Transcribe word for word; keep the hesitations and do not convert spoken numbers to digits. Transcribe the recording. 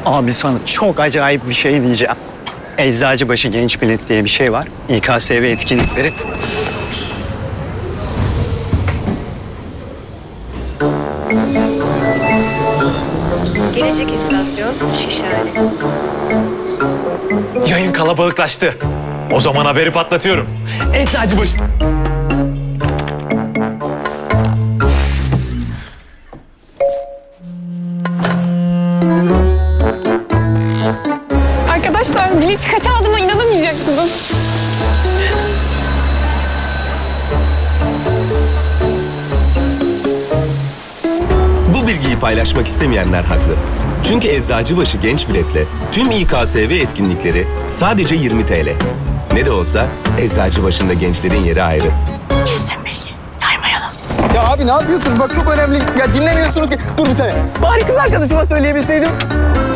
Abi sana çok acayip bir şey diyeceğim. Eczacıbaşı Genç Bilet diye bir şey var. İ K S V etkinlikleri. Gelecek istasyon Şişhane. Yayın kalabalıklaştı. O zaman haberi patlatıyorum. Eczacıbaşı... Arkadaşlar bileti kaça aldığıma inanamayacaksınız. Bu bilgiyi paylaşmak istemeyenler haklı. Çünkü Eczacıbaşı Genç Bilet'le tüm İ K S V etkinlikleri sadece yirmi T L. Ne de olsa Eczacıbaşı'nda gençlerin yeri ayrı. Ya abi ne yapıyorsunuz? Bak çok önemli. Ya dinlemiyorsunuz ki. Dur bir saniye. Bari kız arkadaşıma söyleyebilseydim.